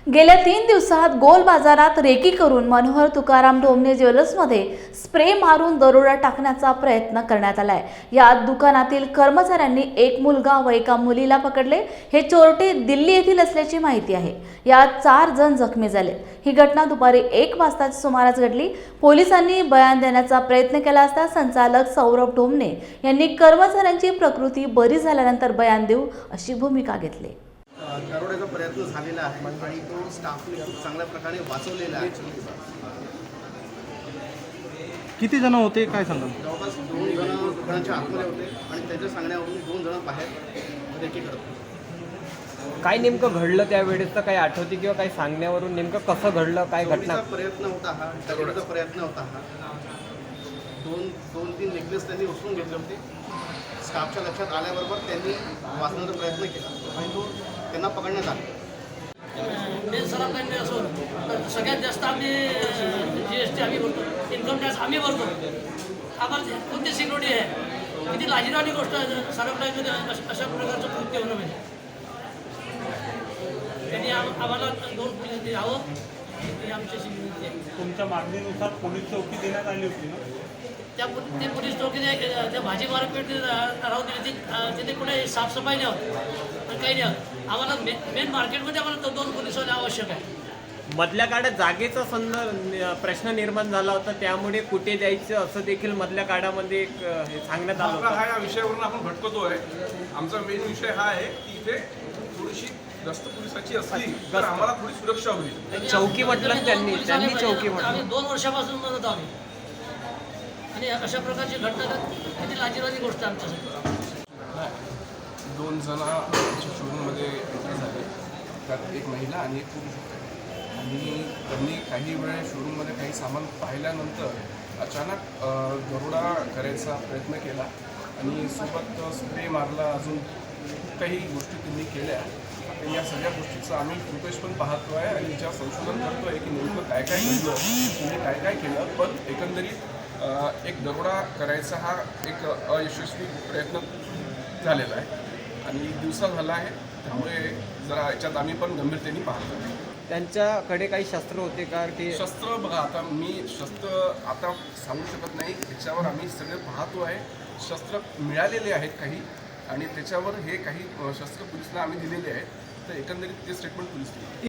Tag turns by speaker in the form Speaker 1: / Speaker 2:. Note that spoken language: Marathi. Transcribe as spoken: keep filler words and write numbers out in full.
Speaker 1: गेल्या तीन दिवसात गोल बाजारात रेकी करून मनोहर तुकाराम ढोमणे ज्वेलर्समध्ये स्प्रे मारून दरोडा टाकण्याचा प्रयत्न करण्यात आलाय। यात दुकानातील कर्मचाऱ्यांनी एक मुलगा व एका मुलीला पकडले। हे चोरटे दिल्ली येथील असल्याची माहिती आहे। यात चार जण जखमी झाले। ही घटना दुपारी एक वाजताच्या सुमारास घडली। पोलिसांनी बयान देण्याचा प्रयत्न केला असता संचालक सौरभ ढोमणे यांनी कर्मचाऱ्यांची प्रकृती बरी झाल्यानंतर बयान देऊ अशी भूमिका घेतली।
Speaker 2: दरोड्याचा प्रयत्न झालेला आहे आणि तो स्टाफने खूप चांगल्या प्रकारे वाचवलेला आहे।
Speaker 3: किती जण होते काय सांगा?
Speaker 2: जवळपास दोन जण दुकानाच्या आतमध्ये होते आणि त्याच्या सांगण्यावरून दोन जण बाहेर रेकी करत होते।
Speaker 4: काय नेमकं घडलं त्यावेळेसचं काही आठवते किंवा काही सांगण्यावरून नेमकं कसं घडलं, काय घटना?
Speaker 2: प्रयत्न होता हा दरोड्याचा प्रयत्न होता हा दोन दोन तीन नेकलेस त्यांनी उचलून घेतले होते। स्टाफच्या लक्षात आल्याबरोबर त्यांनी वाचण्याचा प्रयत्न केला आणि तो त्यांना पकडण्यात आला।
Speaker 5: मेन सराफकडे असून सगळ्यात जास्त आम्ही जी एस टी आम्ही भरतो, इन्कम टॅक्स आम्ही भरतो। आम्हाला कोणती सिक्युरिटी आहे? किती लाजिरवाणी गोष्ट आहे सराफकडे अशा प्रकारचं कृत्य होणं म्हणजे। त्यांनी आम्हाला दोन पोलीस द्यावं ही आमची सिक्युरिटी आहे।
Speaker 3: तुमच्या मागणीनुसार पोलीस चौकी देण्यात आली होती ना?
Speaker 5: त्या ते पोलीस चौकी त्या भाजी मार्केट राहून दिली ती तिथे कुठे साफसफाई नाही होत पण काही नाही होत। आम्हाला मेन मेन मार्केटमध्ये आम्हाला तो दोन पोलीस होणे आवश्यक आहे।
Speaker 4: मधल्या काळात जागेचा संदर्भ प्रश्न निर्माण झाला होता, त्यामुळे कुठे जायचं असं देखील मधल्या काळामध्ये एक हे सांगण्यात आलं होतं।
Speaker 6: हा या विषयावरून आपण भटकतोय। आमचा मेन विषय हा आहे की इथे थोडीशी जास्त पोलिसाची असली तर आम्हाला थोडी सुरक्षा होईल।
Speaker 4: चौकी म्हटलं त्यांनी त्यांनी चौकी म्हटलं।
Speaker 5: आम्ही दोन वर्षापासून म्हणत आम्ही आणि अशा प्रकारची घटना किती लाजिरवाणी गोष्ट आमच्यासाठी।
Speaker 6: दोन जण शोरूममध्ये एंटर झाले, त्यात एक महिला आणि एक पुरुष होते आणि त्यांनी काही वेळ शोरूममध्ये काही सामान पाहिल्यानंतर अचानक दरोडा करायचा प्रयत्न केला आणि सोबत स्प्रे मारला, अजून काही गोष्टी त्यांनी केल्या। तर या सगळ्या गोष्टीचं आम्ही फुटेज पण पाहतो आहे आणि ज्या संशोधन करतो आहे की नेमकं काय काय घडलं, त्यांनी काय काय केलं। पण एकंदरीत एक दरोडा करायचा हा एक अयशस्वी प्रयत्न झालेला आहे आणि दिवसा झाला आहे, त्यामुळे जरा याच्यात आम्ही पण गंभीरतेने पाहतो।
Speaker 4: त्यांच्याकडे काही शस्त्र होते का? ते
Speaker 6: शस्त्र बघा, आता मी शस्त्र आता सांगू शकत नाही, याच्यावर आम्ही सगळे पाहतो आहे। शस्त्र मिळालेले आहेत काही आणि त्याच्यावर हे काही शस्त्र पोलिसांना आम्ही दिलेले आहेत, तर एकंदरीत ते स्टेटमेंट पोलीस दिले।